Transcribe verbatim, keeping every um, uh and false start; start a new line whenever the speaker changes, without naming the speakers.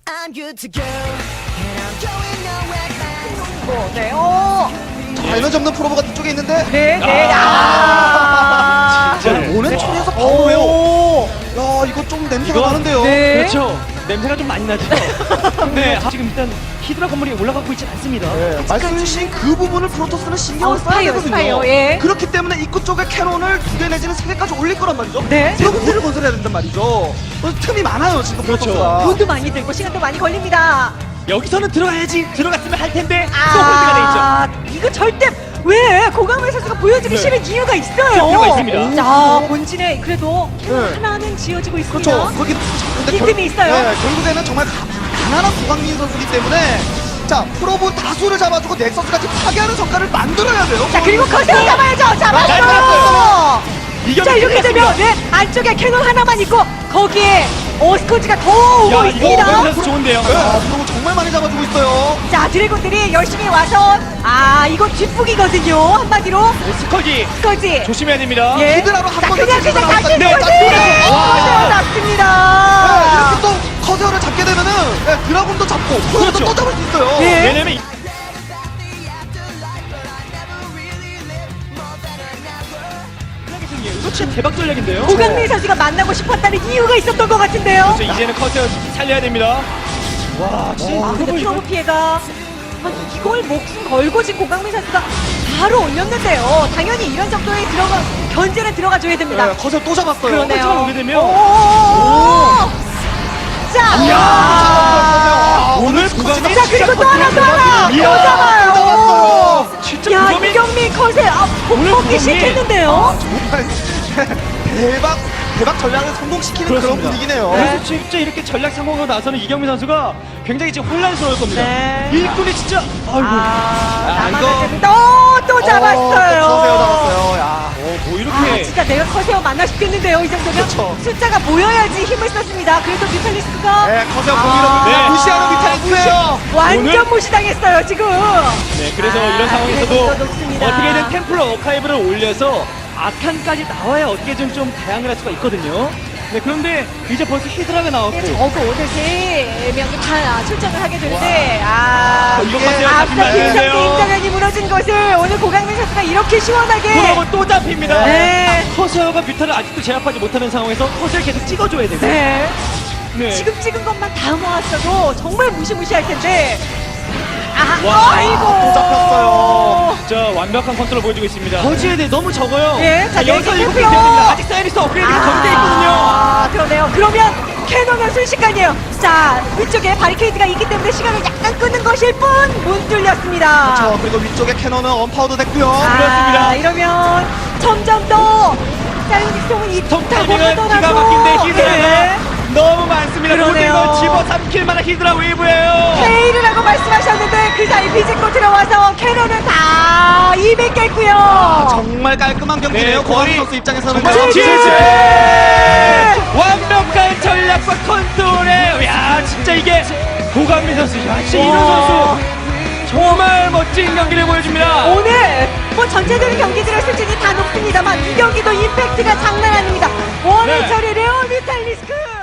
I'm good to go, and I'm going nowhere fast.
어, 네, 어,
자, 에너지 없는 프로브가 뒤쪽에 있는데
네, 네, 아,
자, 오는 초리에서 바로요.
오,
야, 이거 좀 냄새가
이거-
나는데요.
네.
그렇죠. 냄새가 좀 많이 나죠. 네, 아, 지금 일단 히드라 건물이 올라가고 있진 않습니다.
네, 말씀해주신 그 부분을 프로토스는 신경을
어,
써야
스파이어,
되거든요.
스파이어, 예.
그렇기 때문에 입구 쪽에 캐논을 두 개 내지는 세 개까지 올릴 거란 말이죠.
네.
프로브를 건설해야 된단 말이죠. 어, 틈이 많아요 지금
그렇죠.
프로토스가.
돈도 많이 들고 시간도 많이 걸립니다.
여기서는 들어가야지. 들어갔으면 할 텐데 또 홀드가 돼 있죠.
아, 이거 절대 왜 고강민 선수가 보여주기
네.
싫은 이유가 있어요.
이유가 있습니다.
자, 본진에 그래도
네.
하나는 지어지고 있습니다.
그렇죠. 거기 근데
빈틈이 있어요.
네, 결국에는 정말 가, 가난한 고강민 선수이기 때문에 자 프로브 다수를 잡아주고 넥서스까지 파괴하는 성과를 만들어야 돼요.
자, 그리고 커세어 잡아야죠.
잘
잡았어요.
잡았어요. 이겨
자, 이렇게 되면 네, 안쪽에 캐논 하나만 있고 거기에 오스코지가 더 오고
야, 이거
있습니다.
오면서 좋은데요.
네, 아, 프로브 정말 많이 잡아주고 있어요.
자, 드래곤들이 열심히 와서 아, 이거 뒷북이거든요. 한마디로
스커지
스커지.
조심해야 됩니다.
예.
히드라로 한
자,
번
그냥
더
그냥
나왔다.
다시
네,
스커지.
딱 그래.
커세어
네,
잡습니다.
이렇게 또 커세어를 잡게 되면은 네, 드라군도 잡고 프로브도
그렇죠.
또 잡을 수 있어요.
예.
왜냐면 이- 이거 진짜 대박 전략인데요.
고강민 선수가 만나고 싶었다는 이유가 있었던 것 같은데요.
그렇죠. 이제는 커세어 살려야 됩니다. 와, 진짜
아, 근데
이거
프로브 피해가 아니, 이걸 목숨 걸고 지금 고강민 선수가 바로 올렸는데요. 당연히 이런 정도의 들어가 견제는 들어가줘야 됩니다.
네, 커세어 또 잡았어요.
그러네요.
커세어가 오게 되면
오! 자,
야!
아,
오늘
스코지가
구강이
자, 그리고 또 하나, 또 하나!
이야,
또 잡아요!
또 잡았어요.
진짜
야,
구검이
이경민 컷에 아,
오늘
폭폭이
구검이-
시켰는데요.
정말 대박 대박 전략을 성공시키는 그런
그렇습니다.
분위기네요.
네.
그래서 진짜 이렇게 전략 성공으로 나서는 이경민 선수가 굉장히 지금 혼란스러울 겁니다.
네.
일꾼이 진짜 아이고.
아,
아,
나만
이거-
또, 또
어,
잡았어요.
또 커세어 잡았어요. 야.
어, 뭐
아,
이렇게
진짜 내가 커세어 만나 싶겠는데요. 이 정도면
그렇죠.
숫자가 모여야지 힘을 썼습니다. 그래도 뮤탈리스크가
네, 커세어
아,
공이로
네.
무시하는 미탈리스예요.
완전
오늘-
무시당했어요 지금.
네, 그래서
아,
이런 상황에서도
그래도 높습니다.
어떻게든 템플러 어카이브를 올려서 아칸까지 나와야 어떻게든 좀 대항을 할 수가 있거든요. 네, 그런데 이제 벌써 히드라가 나왔고
네, 저거 오늘 세 명이 다 출전을 하게 되는데 아,
이거
이게
커세어
앞서
잡히면 안
김성태
되는데요.
임장현이 무너진 것을 오늘 고강민 선수가 이렇게 시원하게
그러고 또 잡힙니다.
네.
커세어가 뮤타를 아직도 제압하지 못하는 상황에서 커세어를 계속 찍어줘야 되고.
네.
네.
지금 찍은 것만 다 모았어도 정말 무시무시할 텐데 아,
와,
아이고
또 잡혔어요.
자, 완벽한 컨트롤 보여주고 있습니다. 거지에 대해 너무 적어요.
예, 자,
여기서
네,
일곱 개
됐고요.
됐습니다. 아직 사이리스 업그레이드가 적돼 있거든요.
아, 그러네요. 그러면 캐논은 순식간이에요. 자, 위쪽에 바리케이드가 있기 때문에 시간을 약간 끄는 것일 뿐 못 뚫렸습니다.
그렇죠. 그리고 위쪽에 캐논은 언파우더 됐고요.
아,
그렇습니다.
이러면 점점 더 사이닉송은 이
톱
타고
타이밍은 기가
하더라도
막힌데 히드라가
예.
너무 많습니다.
그러네요.
모든 걸 집어삼킬 만한 히드라 웨이브예요.
페이를 하고 말씀하셨는데 그 사이 비집고 들어와서 캐논은 다 이백 개고요.
아, 정말 깔끔한 경기네요.
네,
고항
거의-
선수 입장에서는
정말
지지!
지지! 완벽한 전략과 컨트롤에 야 진짜 이게 고강민 선수 야 진짜 이런
와.
선수 정말 멋진 경기를 보여줍니다.
오늘 뭐 전체적인 경기들의 수준이 다 높습니다만 이 경기도 임팩트가 장난 아닙니다. 오늘
네.
처리 레오 뮤탈리스크.